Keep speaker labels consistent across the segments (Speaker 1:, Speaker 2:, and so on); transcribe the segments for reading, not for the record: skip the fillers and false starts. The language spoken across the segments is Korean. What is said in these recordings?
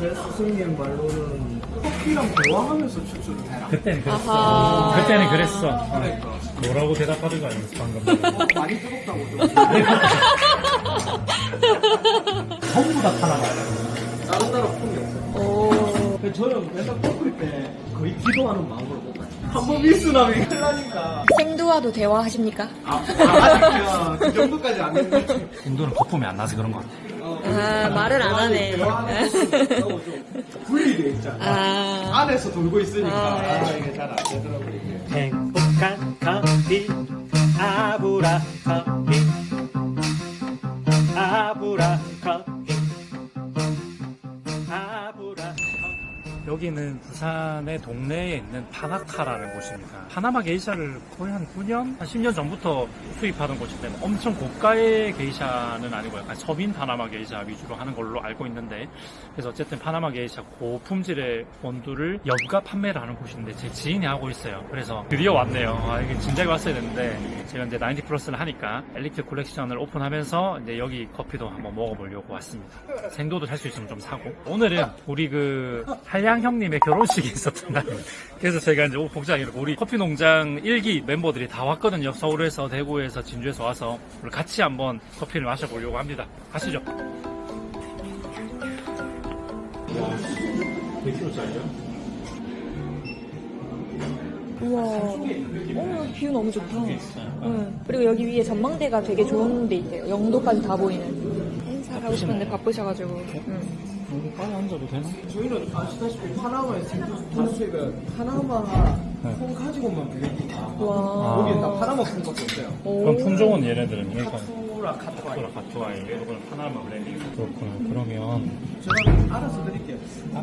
Speaker 1: 제 스승님 말로는 커피랑 대화하면서 추출을 해라.
Speaker 2: 그때는 그랬어.
Speaker 3: 아하.
Speaker 2: 그때는 그랬어.
Speaker 1: 그러니까.
Speaker 2: 뭐라고 대답하든가 아니면서 방금.
Speaker 1: 많이 뜨겁다고 좀.
Speaker 2: 전부 다 팔아봐요.
Speaker 1: 다른 나라 폼이 없어요.
Speaker 3: 오.
Speaker 1: 근데 저는 맨날 꺾을 때 거의 기도하는 마음으로 먹어요. 한번 미스나면 큰일 나니까.
Speaker 3: 생두와도 대화하십니까?
Speaker 1: 아직은 그 정도까지 안 했는데.
Speaker 2: 인도는 거품이 안 나서 그런 것 같아.
Speaker 3: 아, 말을 안 하네.
Speaker 1: 너무 좀 분리돼 있잖아.
Speaker 3: 아.
Speaker 1: 안에서 돌고 있으니까.
Speaker 3: 아, 네.
Speaker 1: 이게 잘 안 되더라고요, 이게.
Speaker 2: 행복한 커피, 아브라 커피, 아브라 커피, 아브라 커피. 여기는 부산의 동네에 있는 파나카라는 곳입니다. 파나마 게이샤를 거의 한 9년? 한 10년 전부터 수입하던 곳이기 때문에 엄청 고가의 게이샤는 아니고 약간 서민 파나마 게이샤 위주로 하는 걸로 알고 있는데, 그래서 어쨌든 파나마 게이샤 고품질의 원두를 연가 판매를 하는 곳인데 제 지인이 하고 있어요. 그래서 드디어 왔네요. 아, 이게 진작에 왔어야 되는데 제가 이제 90 플러스를 하니까 엘리트 콜렉션을 오픈하면서 이제 여기 커피도 한번 먹어보려고 왔습니다. 생도도 살 수 있으면 좀 사고. 오늘은 우리 그 한량 형님의 결혼식이 있었던 날입니다. 그래서 저희가 이제 복장이 우리 커피 농장 1기 멤버들이 다 왔거든요. 서울에서, 대구에서, 진주에서 와서 우리 같이 한번 커피를 마셔보려고 합니다. 가시죠. 몇 킬로짜리죠?
Speaker 3: 우와. 오, 뷰 너무 좋다. 응. 그리고 여기 위에 전망대가 되게 좋은 데 있대요. 영도까지 다 보이는. 행사를 하고 싶은데 바쁘셔가지고. 응.
Speaker 2: 빨리 앉아도 되나?
Speaker 1: 저희는 아시다시피 파나마의 생두 수입은 파나마 콩 가지고만 배웁니다.
Speaker 3: 와.
Speaker 1: 여기는 다 파나마 콩밖에 없어요.
Speaker 2: 그럼 품종은 얘네들은 그러니까
Speaker 1: 카투라 카투라.
Speaker 2: 가투아이, 이거는 파나마 블렌딩. 그렇구나. 그러면
Speaker 1: 제가 알아서 드릴게요.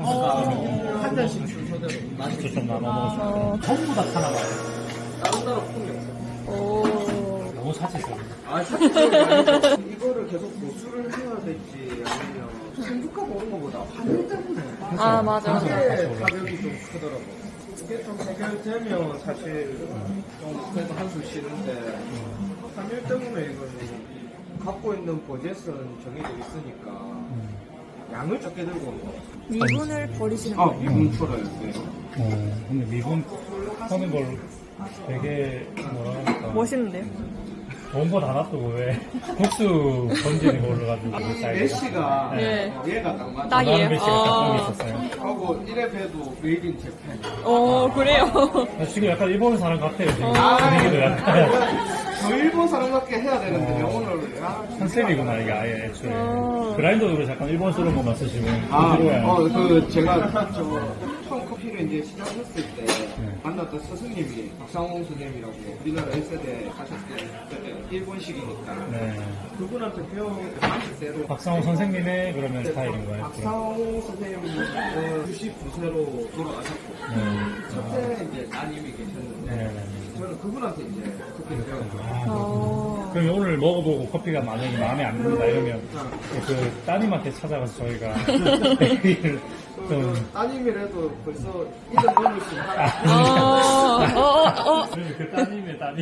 Speaker 1: 한 잔씩 순서대로
Speaker 2: 진짜 좀 나눠 먹을 수
Speaker 3: 어.
Speaker 2: 있어요. 전부 다 파나마예요.
Speaker 1: 다른 나라 콩이 없어요.
Speaker 3: 오.
Speaker 2: 너무 사치죠.
Speaker 1: 아, 사실 이거를 계속 보수를 해야 될지 아니면 생두가 먹는 것보다 환율 때문에
Speaker 3: 아, 맞아.
Speaker 1: 이게 가격이 좀 크더라고. 이게 좀 해결되면 사실 좀 그래도 한숨 쉬는데 환율 때문에 이거는 갖고 있는 버젯은 정해져 있으니까 양을 적게 들고 온 거.
Speaker 3: 미분을 버리시는
Speaker 1: 아,
Speaker 3: 거예요?
Speaker 1: 미분 풀어요. 네.
Speaker 2: 근데 미분 하는 걸 되게 뭐랄까
Speaker 3: 멋있는데요?
Speaker 2: 좋은 거 다 놔두고 왜 국수 던지는 거 올라가지고
Speaker 1: 이 메시가
Speaker 3: 네.
Speaker 1: 얘가 딱 맞아.
Speaker 3: 딱이에요?
Speaker 2: 메시가 딱 있었어요.
Speaker 1: 하고 1회 배도 메이드 인 재팬.
Speaker 3: 어, 그래요?
Speaker 2: 지금 약간 일본 사람 같아요. 지금
Speaker 1: 아,
Speaker 2: 분위기도 약간
Speaker 1: 저 일본 사람 같게 해야 되는데 영어를
Speaker 2: 컨셉이구나 이게 아예 애초에 그라인더도 잠깐 일본스러운 것만 쓰시면 부드러워야
Speaker 1: 그 제가 처음 커피를 이제 시작했을 때 만났던 스승님이 박상홍 선생님이라고 우리나라 1세대 하셨을 때 일본식이니까
Speaker 2: 네.
Speaker 1: 그분한테 배운 방식대로
Speaker 2: 박상호 선생님의 그러면 스타일인 거예요.
Speaker 1: 박상홍 선생님은 99세로 돌아가셨고 첫째 이제 따님이 계셨는데
Speaker 2: 네.
Speaker 1: 저는 그분한테 이제 커피를 배웠죠.
Speaker 3: 어.
Speaker 2: 그럼 오늘 먹어보고 커피가 만약에 마음에 안 든다 이러면 그 따님한테 찾아가서 저희가 얘기를 좀
Speaker 1: 따님이라도 벌써 이름 넘을 수 있나?
Speaker 2: 그 따님의 따님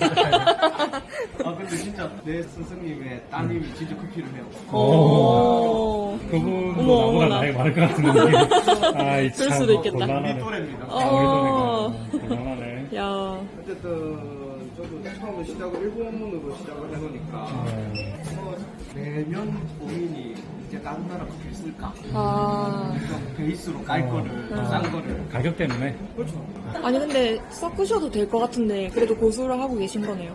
Speaker 1: 아 근데 진짜 내 스승님의 따님이 진짜 커피를 해요.
Speaker 3: 오.
Speaker 2: 그분도
Speaker 3: 어머,
Speaker 2: 나보다
Speaker 3: 어머나.
Speaker 2: 나이 많을 것 같은 느낌. 아이
Speaker 3: 그럴
Speaker 2: 참
Speaker 3: 수도 있겠다.
Speaker 1: 우리
Speaker 2: 곤란하네.
Speaker 1: 또래입니다.
Speaker 2: 곤란하네.
Speaker 3: 야.
Speaker 1: 어쨌든 저도 처음에 시작을 일본으로 시작을 해놓으니까 매년 고민이 이제 다른 나라 커피를 쓸까?
Speaker 3: 아.
Speaker 1: 좀 베이스로 깔 거를 싼 거를
Speaker 2: 가격 때문에
Speaker 1: 그렇죠.
Speaker 3: 아니, 근데 섞으셔도 될 것 같은데, 그래도 고수를 하고 계신 거네요.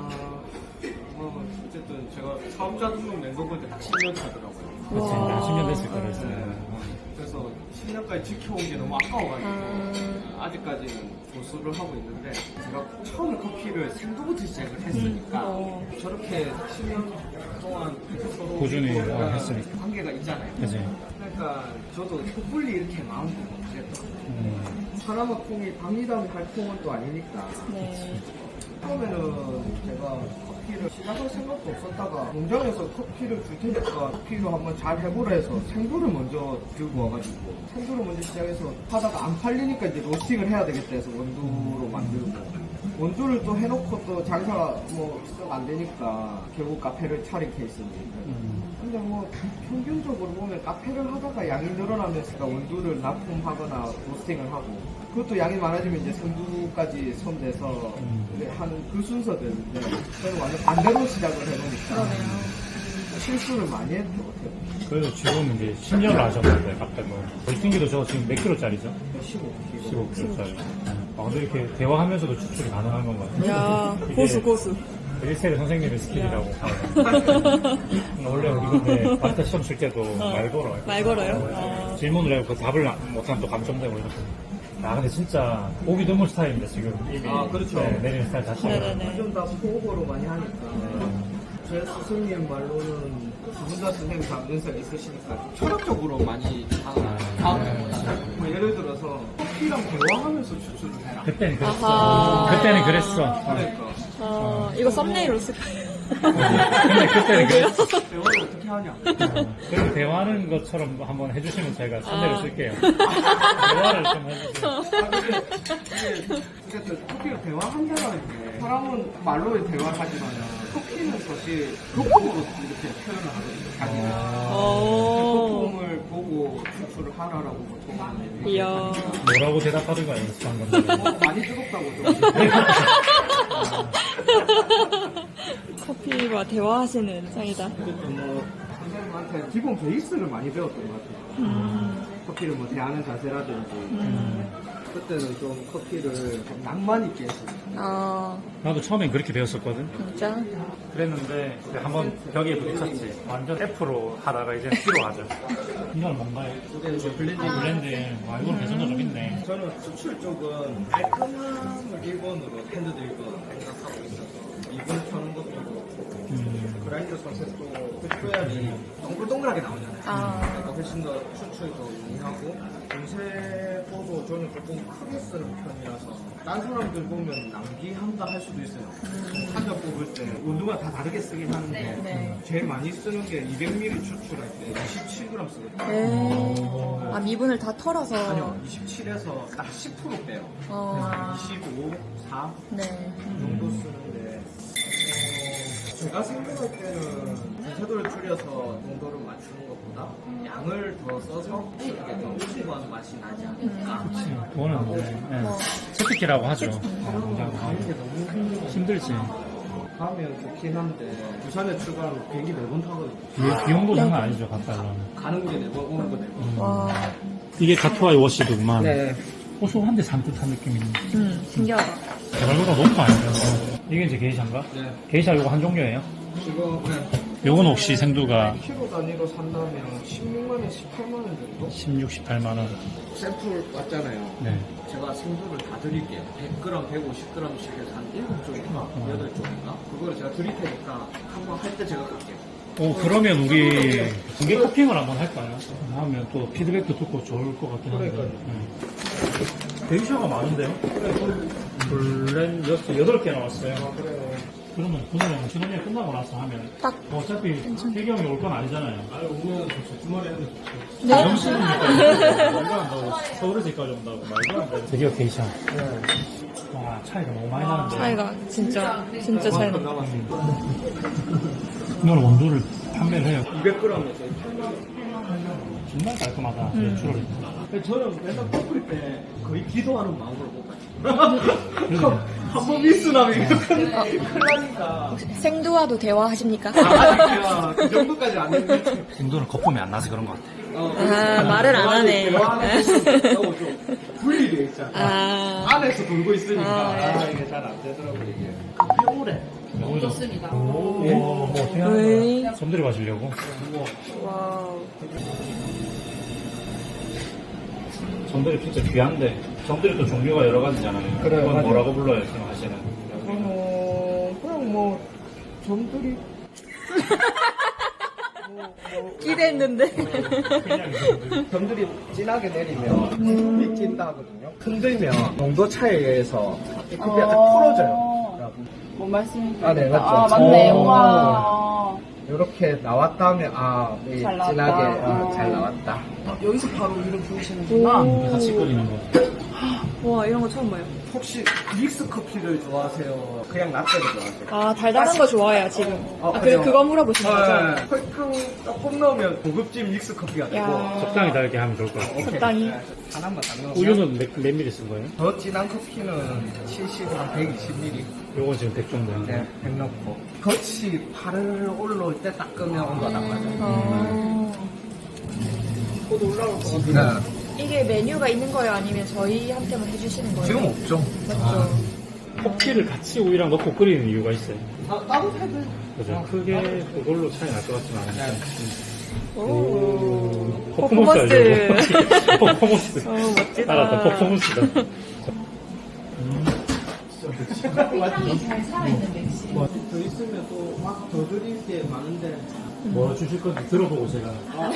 Speaker 1: 어쨌든 제가 사업자 등록 낸 거보다 딱 10년 차더라고요.
Speaker 2: 그렇지
Speaker 3: 와.
Speaker 2: 10년 됐을 거랬어요.
Speaker 1: 그래서 10년까지 지켜온 게 너무 아까워가지고 아직까지는 고수를 하고 있는데 제가 처음에 커피를 생두부터 시작을 했으니까 저렇게 10년 동안 서로
Speaker 2: 꾸준히 했으니까.
Speaker 1: 관계가 있잖아요.
Speaker 2: 그치.
Speaker 1: 그러니까 저도 섣불리 이렇게 마음도 못하겠더라고요. 파나마 콩이 밤이담 할 콩은 또 아니니까
Speaker 3: 네.
Speaker 1: 처음에는 제가 커피를 시작할 생각도 없었다가 농장에서 커피를 줄 테니까 커피로 한번 잘 해보라 해서 생두를 먼저 들고 와가지고 생두를 먼저 시작해서 하다가 안 팔리니까 이제 로스팅을 해야 되겠다 해서 원두로 만들고 원두를 또 해놓고 또 장사가 뭐 썩 안 되니까 결국 카페를 차린 케이스입니다. 근데 뭐 평균적으로 보면 카페를 하다가 양이 늘어나면서 원두를 납품하거나 로스팅을 하고 그것도 양이 많아지면 이제 생두까지 손대서 하는 그 순서들인데 저는 완전 반대로 시작을 해놓으니까
Speaker 3: 그러네요.
Speaker 1: 실수를 많이 했던 것 같아요.
Speaker 2: 그래도 지금 이제 10년을 하셨는데 갑자기 벌팅기도 저 지금 몇 킬로짜리죠?
Speaker 1: 15kg.
Speaker 2: 15킬로짜리. 아, 근데 이렇게 대화하면서 추출이 가능한 건가요?
Speaker 3: 야,
Speaker 2: 이게
Speaker 3: 고수.
Speaker 2: 1세대 선생님의 스킬이라고. 원래 우리 근데 마스터 시험 칠 때도 말 걸어요.
Speaker 3: 말 걸어요?
Speaker 2: 질문을 해고 그 답을 못하면 또 감점되고 이렇게. 아, 근데 진짜 보기 드문 스타일인데 지금 이미
Speaker 1: 그렇죠.
Speaker 2: 네, 내리는 스타일 자체가.
Speaker 3: 네네네.
Speaker 1: 좀 다 포업으로 많이 하니까 제 스승님 말로는 두 분 다 선생님 다 연세가 있으시니까 좀 철학적으로 많이 뭐 예를 들어서 커피랑 대화하면서 추출을 해라.
Speaker 2: 그때는 그랬어.
Speaker 3: 아하.
Speaker 2: 그때는 그랬어.
Speaker 1: 그러니까
Speaker 3: 이거 썸네일로 쓸까요?
Speaker 2: 근데 그때는 그랬어.
Speaker 1: 대화를 어떻게 하냐.
Speaker 2: 그럼 대화하는 것처럼 한번 해주시면 제가 선대를 쓸게요. 대화를 좀 해주세요.
Speaker 1: 어쨌든 커피가 대화한다는 게 사람은 말로 대화하지만 커피는 사실 거품으로 이렇게 표현을 하거든요. 자기가 거품을 보고 추출을 하라라고 보통 하는데
Speaker 3: 이야.
Speaker 2: 뭐라고 대답하든가 연습한 건데.
Speaker 1: 많이 뜨겁다고 좀.
Speaker 3: 커피와 대화하시는 상이다.
Speaker 1: 어쨌든 뭐 선생님한테 기본 베이스를 많이 배웠던 것 같아요. 커피를 뭐 대하는 자세라든지. 그때는 좀 커피를 좀 낭만 있게 했어요.
Speaker 2: 나도 처음엔 그렇게 배웠었거든.
Speaker 3: 진짜?
Speaker 2: 그랬는데 한번 벽에 부딪혔지. 완전 F로 하다가 이제 C로 하죠. 이건 뭔가요?
Speaker 1: 이게 이제 블렌딩.
Speaker 2: 블렌드. 와, 이건 개선도 좀 있네.
Speaker 1: 저는 수출 쪽은 깔끔함을 1번으로 핸드드 1번 생각하고 있어서 2번 펴는 것도 그렇고 그라인더 선셋도 그 표현이 동글동글하게 나오잖아요. 그러니까 훨씬 더 추출도 용이하고 공세포도 저는 조금 크게 쓰는 편이라서 딴 사람들 보면 낭비한다 할 수도 있어요. 한 잔 뽑을 때 원두가 다 다르게 쓰긴 하는데
Speaker 3: 네.
Speaker 1: 제일 많이 쓰는 게 200ml 추출할 때 27g 쓰거든요.
Speaker 3: 미분을 다 털어서.
Speaker 1: 아니요, 27에서 딱 10% 빼요. 25, 4
Speaker 3: 네.
Speaker 1: 정도 쓰는데 제가 생각할 때는 분쇄도를 줄여서 농도를 맞추는 것보다 양을 더 써서 이게 더 풍부한 맛이 나지 않을까.
Speaker 2: 그거는 뭐, 채찍기라고 하죠.
Speaker 1: 가는 게 너무
Speaker 2: 힘들지.
Speaker 1: 가면 좋긴 한데 부산에 출발하면 비행기 4번 타거든요.
Speaker 2: 비용도 장난 아니죠, 갔다 오면.
Speaker 1: 가는 곳에 4번, 오는 곳에 4번.
Speaker 3: 와.
Speaker 2: 이게 가토아이 워시도구만.
Speaker 1: 네.
Speaker 2: 고소한데 산뜻한 느낌이.
Speaker 3: 신기하다.
Speaker 2: 개발보다 높은 거 아니에요? 이게 이제 게이샤인가?
Speaker 1: 네.
Speaker 2: 게이샤 요거 한 종류예요?
Speaker 1: 이거
Speaker 2: 요건 혹시 생두가
Speaker 1: 1kg 단위로 산다면 16만원, 18만원 정도?
Speaker 2: 16, 18만원.
Speaker 1: 샘플 왔잖아요.
Speaker 2: 네.
Speaker 1: 제가 생두를 다 드릴게요. 100g, 150g씩 해서 한 7쪽인가? 8쪽인가? 그거를 제가 드릴 테니까 한번 할 때 제가 갈게요.
Speaker 2: 그러면 우리 공개 토핑을 한번 할까요? 하면 또 피드백도 듣고 좋을 것 같긴 한데. 게이샤가 많은데요? 블렌 8개 나왔어요.
Speaker 1: 그래요.
Speaker 2: 그러면 그날은 신혼여행 끝나고 나서 하면
Speaker 3: 딱.
Speaker 2: 어차피 태경이 올 건 아니잖아요.
Speaker 1: 오면 좋죠. 주말에 하면 좋죠.
Speaker 3: 네?
Speaker 2: 영신이니까 말도 안 되고 서울에서 여기까지 온다고 말도 안 돼. 드디어 게이샤. 와, 차이가 너무 많이 나는데.
Speaker 3: 차이가 진짜 차이 나.
Speaker 2: 이거는 원두를 판매를 해요.
Speaker 1: 200g에서
Speaker 2: 정말 깔끔하다. 내추럴이.
Speaker 1: 저는 맨날 꺾을 때 거의 기도하는 마음으로 못 가요. 한번 미스나면 이거 큰일 나니까.
Speaker 3: 생두와도 대화하십니까?
Speaker 1: 아직 그 정도까지 안 했는데.
Speaker 2: 인도는 거품이 안 나서 그런 것 같아.
Speaker 3: 말을 안 하네.
Speaker 1: 너무 좀 분리되어 있잖아. 안에서 돌고 있으니까 이게 잘 안 되더라고요. 이게. 평오래.
Speaker 2: 좋습니다. 뭐 어떻게 하는 거야? 점들이 마시려고?
Speaker 3: 와우.
Speaker 2: 점들이 진짜 귀한데 점들이 또 종류가 여러 가지잖아요.
Speaker 1: 그래요,
Speaker 2: 그건
Speaker 1: 맞아요.
Speaker 2: 뭐라고 불러요, 생각하시는?
Speaker 1: 그냥 뭐 점들이
Speaker 3: 기대했는데.
Speaker 1: 점들이 진하게 내리면 믿긴다 하거든요. 흔들면 농도 차이에 의해서 커피가 딱 풀어져요.
Speaker 4: 뭔 말씀이세요?
Speaker 1: 아, 네, 맞죠.
Speaker 4: 아, 맞네. 와.
Speaker 1: 이렇게 나왔다 하면
Speaker 4: 잘 나왔다.
Speaker 1: 진하게 잘 나왔다.
Speaker 4: 여기서 바로 위로 부으시는구나.
Speaker 2: 같이 끓이는 거.
Speaker 3: 와, 이런 거 처음 봐요.
Speaker 1: 혹시 믹스 커피를 좋아하세요? 그냥 라떼를 좋아하세요?
Speaker 3: 아, 달달한 거 좋아해요, 지금.
Speaker 1: 그래요?
Speaker 3: 그거 물어보신 거죠?
Speaker 1: 설탕 조금 넣으면 고급진 믹스 커피가 되고
Speaker 3: 야.
Speaker 2: 적당히 달게 하면 좋을 것 같아요.
Speaker 1: 오케이.
Speaker 3: 적당히.
Speaker 1: 네, 하나만 딱 넣으면
Speaker 2: 우유는 몇 미리 쓴 거예요?
Speaker 1: 더 진한 커피는 70한 120ml
Speaker 2: 요건 지금 100 정도.
Speaker 1: 네, 100 넣고 겉이 파를 올라올 때 딱 끄면 온도가 딱 맞아요. 곧 올라올 것 같아요.
Speaker 3: 이게 메뉴가 있는 거예요? 아니면 저희한테만 해주시는 거예요?
Speaker 1: 지금 없죠.
Speaker 3: 맞죠?
Speaker 2: 커피를 같이 우유랑 넣고 끓이는 이유가 있어요.
Speaker 1: 따로 해도
Speaker 2: 그죠? 크게 그걸로 차이 날 것 같지는 않아요.
Speaker 3: 오.
Speaker 2: 퍼포먼스 알죠? 퍼포먼스.
Speaker 3: 멋지다.
Speaker 2: 알았다, 퍼포먼스다.
Speaker 4: 향이 잘 살아있는 맥주.
Speaker 1: 더 있으면 또 막 더 드릴 게 많은데
Speaker 2: 뭐 주실 건지 들어보고 제가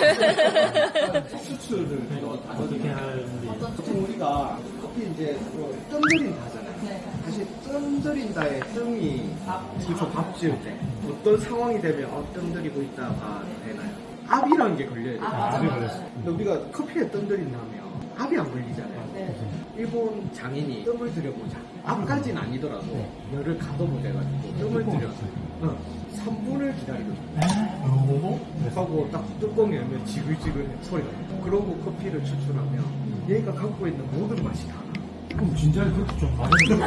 Speaker 1: 수출을
Speaker 2: 어떻게 하는지.
Speaker 1: 보통 우리가 커피 이제 뜸 들인다 하잖아요. 사실 뜸 들인다의 뜸이 그쵸, 밥 지을 때 어떤 상황이 되면 뜸 들이고 있다가 되나요? 압이라는 게 걸려야 돼요.
Speaker 2: 압이 걸렸어.
Speaker 1: 근데 우리가 커피에 뜸 들인다면 압이 안 걸리잖아요. 일본 장인이 뜸을 들여보자. 압까지는 아니더라도 열을 가둬보자 해가지고 뜸을 들여서 3분을 기다리거든요. 하고 딱 뚜껑 열면 지글지글 소리가 나요. 그러고 커피를 추출하면 얘가 갖고 있는 모든 맛이 다 나.
Speaker 2: 그럼 진짜 그렇게 좀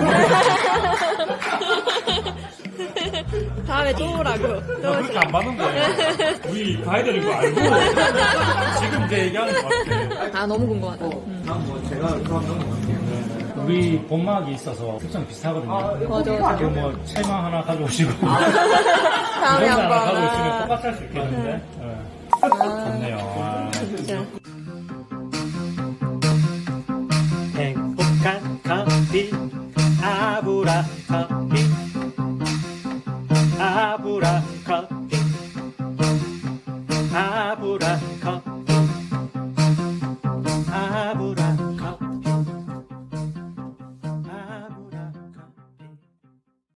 Speaker 3: 다음에 또 오라고.
Speaker 2: 그렇게 안 받는 거예요. 우리 가야 되는 거 알고 지금 이제 얘기하는 것 같아요.
Speaker 3: 아, 너무 궁금하다.
Speaker 1: 다음 뭐 제가 그럼 넘어갈게요.
Speaker 2: 우리 본막이 있어서 특성 비슷하거든요.
Speaker 3: 맞아.
Speaker 2: 그럼 뭐 채망 하나 가져오시고
Speaker 3: 다음에
Speaker 2: 이런 거 하나
Speaker 3: 한번.
Speaker 2: 가져오시면 똑같이 할 수 있겠는데. 좋네요. 아.
Speaker 3: 진짜.
Speaker 2: 행복한 커피 아브라 커피